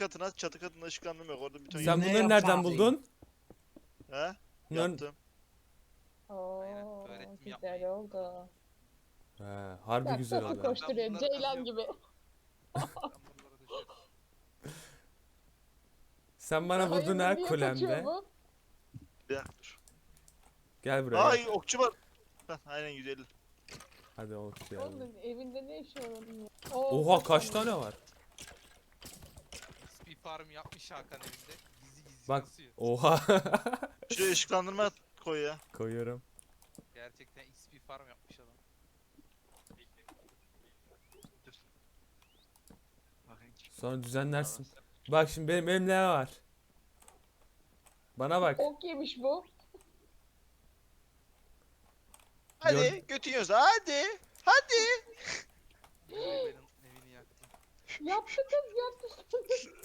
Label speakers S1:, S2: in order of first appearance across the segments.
S1: katına. Çatı katında ışıklandırma yok. Orada bir ton
S2: Sen
S3: Ne
S2: bunları nereden
S3: yapardın?
S2: buldun?
S1: He?
S2: Bunların...
S1: Yaptım.
S4: Aynen,
S5: Oo,
S4: öğrettim
S5: güzel
S4: yapmayı.
S5: oldu.
S2: He, harbi
S5: Bak
S2: güzel
S5: nasıl
S2: oldu.
S5: koşturuyor
S4: Ben bunları
S5: Ceylan
S4: kazıyorum.
S5: gibi.
S4: Ben buralara düşerim.
S2: Sen bana vurdun
S5: Hayırdır,
S2: ha
S5: niye kaçıyor
S2: kulemde.
S5: bu?
S1: Bir dakika dur.
S2: Gel buraya.
S1: Ay okçu var. Heh, aynen 150.
S2: Hadi okuyalım.
S5: Onun evinde ne işi var onun ya?
S2: Oha kaç tane var?
S4: XP farm yapmış Hakan evinde. Gizli gizli
S2: Bak.
S4: kasıyor.
S2: Oha.
S1: Şuraya ışıklandırma koy ya.
S2: Koyuyorum.
S4: Gerçekten XP farm yapmış adam.
S1: Dur. Bakayım.
S2: Sonra düzenlersin. Bak şimdi benim elimde ne var? Bana bak.
S5: Ok yemiş bu.
S1: Hadi
S2: Gör-
S1: götün yiyorsa hadi. Hadi.
S4: Benim evini yaktı.
S5: Yaptı kız yaptı.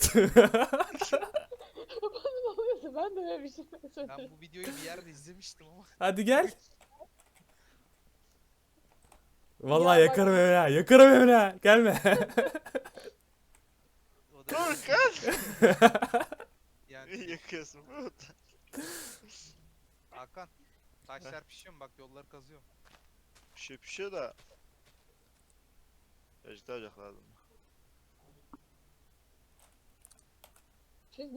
S5: Bana ne oluyorsa ben de böyle bir şey söylerim.
S4: Ben bu videoyu bir yerde izlemiştim ama.
S2: Hadi gel. Vallahi
S5: Ya bak-
S2: yakarım evine. ha, Yakarım evine. ha. Gelme.
S4: O da
S1: Dur kız.
S4: yani
S1: Yakıyorsun.
S4: Hakan taşlar pişiyor mu? Bak yolları kazıyorum.
S1: Pişiyor da. Vejetal olacak lazım.